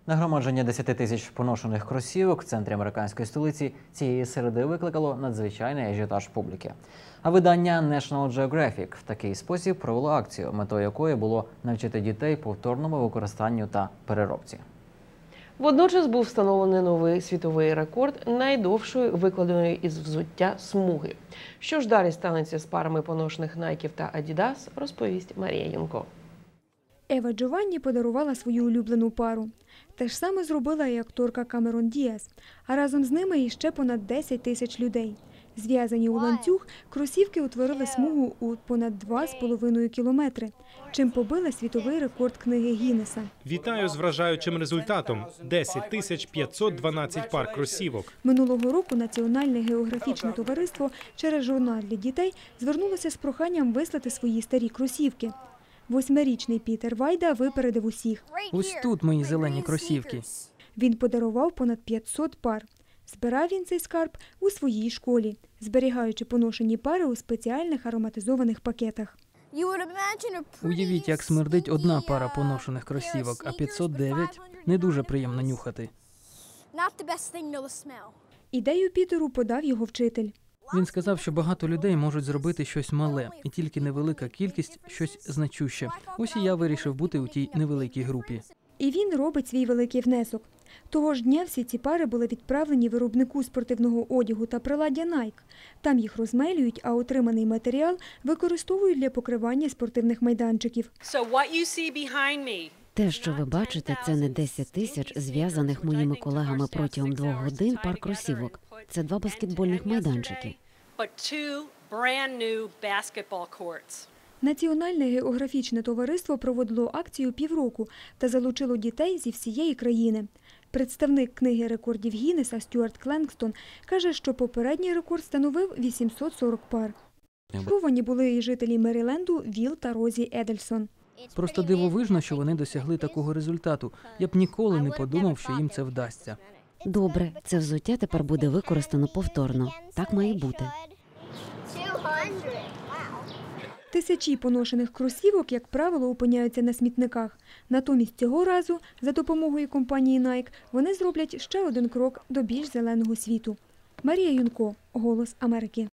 Нагромадження 10 тисяч поношених кросівок в центрі американської столиці цієї середи викликало надзвичайний ажіотаж публіки. А видання National Geographic в такий спосіб провело акцію, метою якої було навчити дітей повторному використанню та переробці. Водночас був встановлений новий світовий рекорд найдовшої викладеної із взуття смуги. Що ж далі станеться з парами поношених Найків та Адідас, розповість Марія Юнко. Ева Джованні подарувала свою улюблену пару. Те ж саме зробила і акторка Камерон Діас, а разом з ними іще понад 10 тисяч людей. Зв'язані у ланцюг, кросівки утворили смугу у понад 2,5 кілометри, чим побили світовий рекорд книги Гіннеса. Вітаю з вражаючим результатом – 10 тисяч 512 пар кросівок. Минулого року Національне географічне товариство через журнал для дітей звернулося з проханням вислати свої старі кросівки. 8-річний Пітер Вайда випередив усіх. Ось тут мої зелені кросівки. Він подарував понад 500 пар. Збирав він цей скарб у своїй школі, зберігаючи поношені пари у спеціальних ароматизованих пакетах. Уявіть, як смердить одна пара поношених кросівок, а 509 – не дуже приємно нюхати. Ідею Пітеру подав його вчитель. Він сказав, що багато людей можуть зробити щось мале, і тільки невелика кількість – щось значуще. Ось і я вирішив бути у тій невеликій групі. І він робить свій великий внесок. Того ж дня всі ці пари були відправлені виробнику спортивного одягу та приладдя Nike. Там їх розмелюють, а отриманий матеріал використовують для покривання спортивних майданчиків. Те, що ви бачите, це не 10 тисяч зв'язаних моїми колегами протягом 2 годин пар кросівок. Це 2 баскетбольних майданчики. Національне географічне товариство проводило акцію півроку та залучило дітей зі всієї країни. Представник книги рекордів Гіннеса Стюарт Кленгстон каже, що попередній рекорд становив 840 пар. Шоковані були і жителі Меріленду Віл та Розі Едельсон. Просто дивовижно, що вони досягли такого результату. Я б ніколи не подумав, що їм це вдасться. Добре, це взуття тепер буде використано повторно. Так має бути. Тисячі поношених кросівок, як правило, опиняються на смітниках. Натомість цього разу, за допомогою компанії Nike, вони зроблять ще один крок до більш зеленого світу. Марія Юнко, «Голос Америки».